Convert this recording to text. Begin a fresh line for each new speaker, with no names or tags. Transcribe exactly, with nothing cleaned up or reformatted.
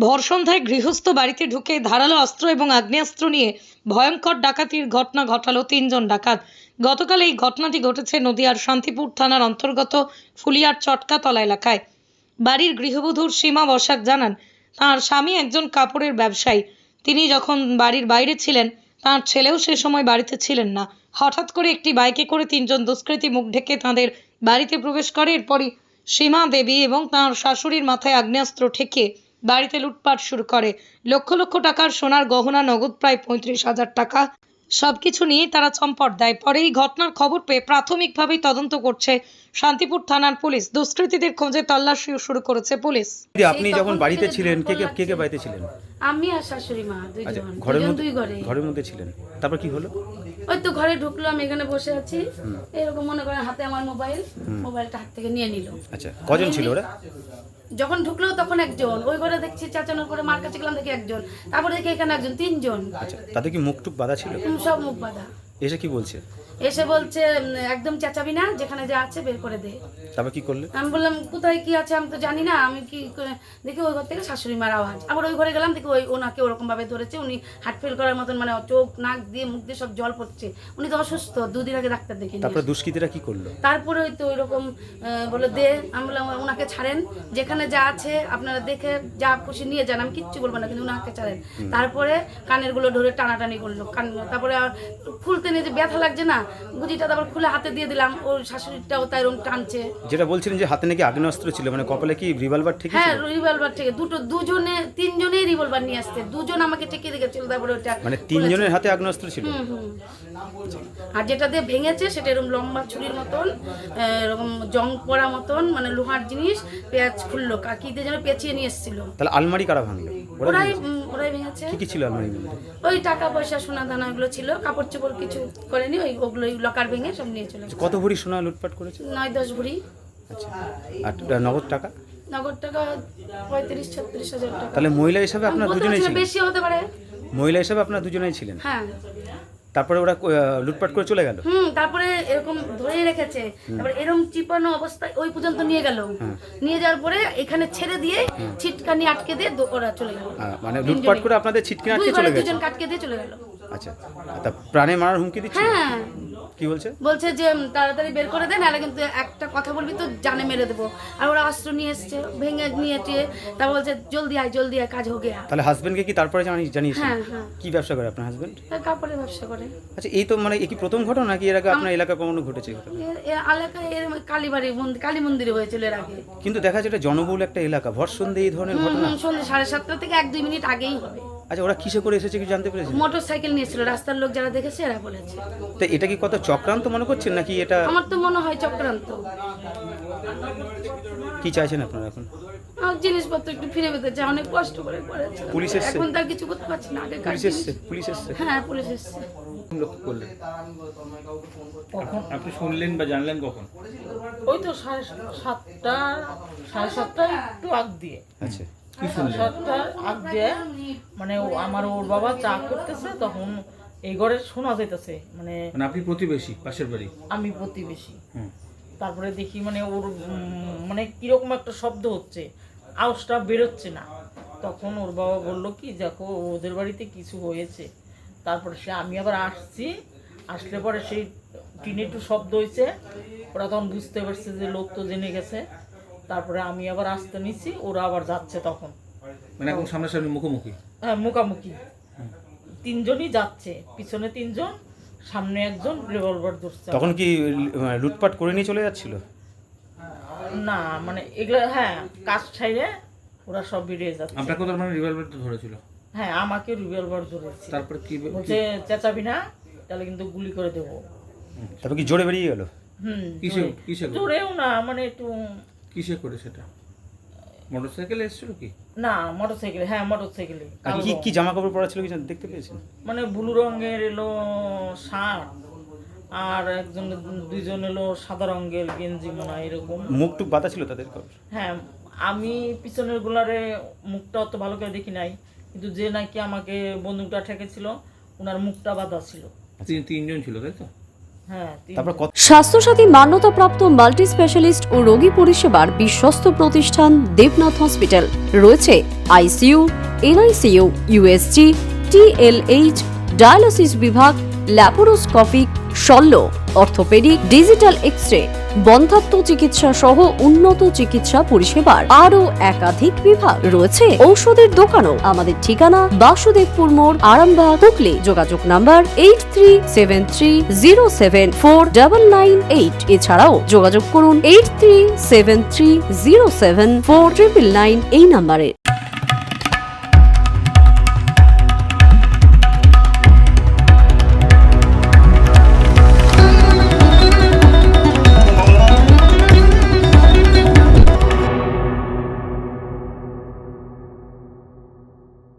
ভর সন্ধ্যায় গৃহস্থ বাড়িতে ঢুকে ধারালো অস্ত্র এবং আগ্নেয়াস্ত্র নিয়ে ভয়ঙ্কর ডাকাতির ঘটনা ঘটালো তিনজন ডাকাত। গতকাল এই ঘটনাটি ঘটেছে নদিয়ার শান্তিপুর থানার অন্তর্গত ফুলিয়ার চটকাতলা এলাকায়। বাড়ির গৃহবধূর সীমা বসাক জানান, তাঁর স্বামী একজন কাপড়ের ব্যবসায়ী। তিনি যখন বাড়ির বাইরে ছিলেন, তাঁর ছেলেও সে সময় বাড়িতে ছিলেন না। হঠাৎ করে একটি বাইকে করে তিনজন দুষ্কৃতী মুখ ঢেকে তাঁদের বাড়িতে প্রবেশ করে। এরপরই সীমা দেবী এবং তাঁর শাশুড়ির মাথায় আগ্নেয়াস্ত্র ঠেকিয়ে বাড়িতে লুটপাট শুরু করে। লক্ষ লক্ষ টাকার সোনার গহনা, নগদ প্রায় পঁয়ত্রিশ হাজার টাকা সবকিছু নিয়ে তারা চম্পট দেয়। পরে এই ঘটনার খবর পেয়ে প্রাথমিকভাবেই তদন্ত করছে শান্তিপুর থানার পুলিশ। দুষ্কৃতীদের খোঁজে তল্লাশিও শুরু করেছে পুলিশ।
আপনি যখন বাড়িতে ছিলেন, কে কে কে কে বাড়িতে ছিলেন?
আমি আর শাশুড়ি মা
আচ্ছা,
দুইজন
ঘরের
দুইজন
মধ্যে
দুই ঘরে।
ঘরের মধ্যে ছিলেন, তারপর কি হলো?
ওই তো ঘরে ঢুকলো, আমি এখানে বসে আছি, এরকম মনে করেন হাতে আমার মোবাইল, মোবাইলটা হাত থেকে নিয়ে নিল।
আচ্ছা, কজন ছিল ওরা?
যখন ঢুকলো তখন একজন, ওই ঘরে দেখছি চাচানোর করে মার কাছে গেলাম দেখি একজন, তারপরে দেখি এখানে একজন, তিনজন।
আচ্ছা, তাদের কি মুখ টুক বাঁধা ছিল?
হুম, সব মুখ বাঁধা।
এসে কি বলছে?
এসে বলছে উম, একদম চেঁচাবি না, যেখানে যা আছে বের করে দে।
তারপর কি করলে?
আমি বললাম কোথায় কি আছে আমি তো জানি না, আমি কি করে- দেখি ওই ঘর থেকে শাশুড়ি মার আওয়াজ। আবার ওই ঘরে গেলাম, দেখি ওই ওনাকে ওরকম ভাবে ধরেছে, উনি হার্ট ফেল করার মতন, মানে চোখ নাক দিয়ে মুখ দিয়ে সব জল পড়ছে। উনি তো অসুস্থ, দুদিন আগে ডাক্তার দেখে নিয়ে
তারপরে দুষ্কৃতীরা কি করলো?
তারপরে ওই তো ওইরকম বলে দে। আমি বললাম ওনাকে ছাড়েন, যেখানে যা আছে আপনারা দেখে যা খুশি নিয়ে যান, আমি কিচ্ছু বলবো না, কিন্তু ওনাকে ছাড়েন। তারপরে কানের গুলো ধরে টানাটানি করলো, কান তারপরে আর খুলতে নিয়ে যে ব্যথা লাগছে না, গুজিটা তারপর খুলে হাতে দিয়ে দিলাম, ওর শাশুড়িটাও তাই এরকম টানছে।
যেটা বলছিলেন যে হাতে নাকি আগ্নেয়াস্ত্র ছিল, মানে কপালে কি রিভলভার ঠিক
হ্যাঁ,
ছিল?
রিভলভার থেকে দুটো, দুজনে তিনজনেই রিভলভার নিয়ে আসছে, দুজন আমাকে ঠেকিয়ে রেখেছিল। তারপরে ওটা
মানে তিনজনের হাতে আগ্নেয়াস্ত্র ছিল?
হুম হুম। আর যেটা দিয়ে ভেঙেছে সেটা এরকম লম্বা ছুরির মতন, এরকম জং পড়া মতন, মানে লোহার জিনিস, পেঁয়াজ খুললো, কাকিতে যেন পেঁচিয়ে নিয়ে এসেছিল।
তাহলে আলমারি কারা ভাঙলো?
ওরাই উম, ওরাই ভেঙেছে।
কি কি ছিল আলমারির মধ্যে?
ওই টাকা পয়সা সোনা দানা এগুলো ছিল, কাপড় চোপড় কিছু করেনি, ওই ওগুলো লকার ভেঙে সব নিয়ে চলে গেছে।
কত ভরি সোনা লুটপাট করেছে?
নয় দশ ভরি।
আচ্ছা, আর নগদ টাকা?
নগদ টাকা পঁয়ত্রিশ ছত্রিশ হাজার টাকা।
তাহলে মহিলা হিসাবে আপনার
বলতে
দুজনেই
পারছি না,
ছিলেন?
বেশি হতে পারে।
মহিলা হিসাবে আপনার দুজনেই ছিলেন?
হ্যাঁ।
তারপরে ওরা আহ, লুটপাট করে চলে গেল?
হুম, তারপরে এরকম ধরে রেখেছে, তারপরে এরকম চিপানো অবস্থায় ওই পর্যন্ত নিয়ে গেল। নিয়ে যাওয়ার পরে এখানে ছেড়ে দিয়ে ছিটকানি আটকে দিয়ে দো- ওরা চলে গেল।
আহ, মানে লুটপাট করে আপনাদের ছিটকে আটকে
দুই
চলে
ঘরে
গেছে?
দুজন কাটকে দিয়ে চলে গেল।
আচ্ছা, তা প্রাণে মারার হুমকি দিচ্ছে?
হ্যাঁ,
কি বলছে?
বলছে যে উম, তাড়াতাড়ি বের করে দেন, নাহলে কিন্তু একটা কথা বলবি তো জানে মেরে দেবো। আর ওরা অস্ত্র নিয়ে এসছে, ভেঙে নিয়ে টিয়ে, তারপর বলছে জলদি আয় জলদি আয়, কাজ হো গেয়া।
তাহলে হাজবেন্ডকে কি তারপরে জানি জানিয়েছেন?
হ্যাঁ হ্যাঁ,
কি ব্যবসা করে আপনার হাজবেন্ড?
তার কাপড়ের ব্যবসা করে।
আচ্ছা, এই তো মানে এই কি প্রথম ঘটনা নাকি এর আগে আপনার এলাকা কখনো ঘটেছে এই ঘটনা?
এ- এ এলাকায় এর কালীবাড়ি মন্দির, কালী মন্দিরে হয়েছিল এর আগে।
কিন্তু দেখা যায় এটা জনবহুল একটা এলাকা, ভর সন্ধে এই ধরনের
হুম,
ঘটনা।
হুম, সন্ধ্যে সাড়ে সাতটা থেকে এক দুই মিনিট আগেই হবে।
আচ্ছা, ওরা কিসে করে এসেছে কি জানতে পেরেছেন?
মোটর সাইকেল নিয়েছিল, রাস্তার লোক যারা দেখেছে এরা বলেছে।
তো এটা কি কত চক্রান্ত মনে করছেন নাকি এটা
আমার তো মনে হয় চক্রান্ত।
কি চাইছেন আপনারা এখন?
আমার জিনিসপত্র একটু ফিরে পেতে চাই, অনেক কষ্ট করে করেছে।
পুলিশ এসছে?
এখন তার কিছু করতে পারছি না, আগে
পুলিশ এসছে? পুলিশ এসছে?
হ্যাঁ পুলিশ এসছে।
লক্ষ্য করলেন?
কখন আপনি শুনলেন বা জানলেন কখন?
ওই তো সাড়ে সাতটা সাড়ে সাতটা একটু আগ দিয়ে
আচ্ছা,
কি
সাড়ে
শুনলেন?
সাতটা আগ দিয়ে মানে ও- আমার ওর বাবা চা করতেছে, তখন এই ঘরে শোনা যাইতেছে, মানে
মানে আপনি প্রতিবেশী, পাশের বাড়ি?
আমি প্রতিবেশী।
হুম।
তারপরে দেখি মানে ওর উম, মানে কিরকম একটা শব্দ হচ্ছে, আওয়াজটা বেরোচ্ছে না। তখন ওর বাবা বললো কি দেখো ওদের বাড়িতে কিছু হয়েছে। তারপরে সে আমি আবার আসছি, আসলে পরে সেই টিনে একটু শব্দ হয়েছে, ওরা তখন বুঝতে পারছে যে লোক তো জেনে গেছে। তারপরে আমি আবার আসতে নিছি, ওরা আবার যাচ্ছে তখন।
মানে এখন সামনাসামনি মুখোমুখি?
হ্যাঁ, মুখামুখি তিনজনই যাচ্ছে, পিছনে তিনজন, সামনে একজন রিভলভার ধরছে।
তখন কি আহ, লুটপাট করে নিয়ে চলে যাচ্ছিল?
না মানে এগুলো হ্যাঁ কাজ ছাইরে ওরা সব বেরিয়ে যাচ্ছে।
আপনাকে তো মানে রিভলভার তো ধরেছিল?
হ্যাঁ, আমাকে রিভলভার ধরেছে,
তারপর কি
বলছে চেঁচাবি না তাহলে কিন্তু গুলি করে দেবো।
তারপর কি জোরে বেরিয়ে গেল?
হুম,
কিসে কিসে করে?
জোরেও না, মানে একটু
কিসে করে সেটা? মোটরসাইকেলে এসেছিল কি?
না, মোটরসাইকেলে। হ্যাঁ, মোটরসাইকেলে।
আর কি কি জামা কাপড় পরা ছিল কি জান- দেখতে পেয়েছেন?
মানে ব্লু রঙের এলো শার্ট, আর একজন দুইজন এলো সাদা রঙের গেঞ্জি, মনে হয় এরকম।
মুখ টুক বাতা ছিল তাদের?
হ্যাঁ, আমি পিছনের গুলারে মুখটা অত ভালো করে দেখি নাই, কিন্তু যে নাকি আমাকে বন্দুকটা ঠেকেছিল ওনার মুখটা বাঁধা ছিল।
তিন তিনজন ছিল তাই তো?
হ্যাঁ তিন-
তারপর কত
স্বাস্থ্যসাথী মান্যতাপ্রাপ্ত মাল্টি স্পেশালিস্ট ও রোগী পরিষেবার বিশ্বস্ত প্রতিষ্ঠান দেবনাথ হসপিটাল। রয়েছে ICU, NICU, USG, TLH, dialysis বিভাগ, ল্যাপারোস্কোপিক, শল্য, অর্থোপেডিক, ডিজিটাল এক্স-রে, বন্ধ্যাত্ব চিকিৎসা সহ উন্নত চিকিৎসা পরিষেবার আরও একাধিক বিভাগ রয়েছে। ঔষধের দোকানও। আমাদের ঠিকানা বাসুদেবপুর মোড়, আরামবাগ, হুগলি। যোগাযোগ number eight three seven three zero seven four double nine eight. এছাড়াও যোগাযোগ করুন eight three seven three zero seven four triple nine এই নাম্বারে।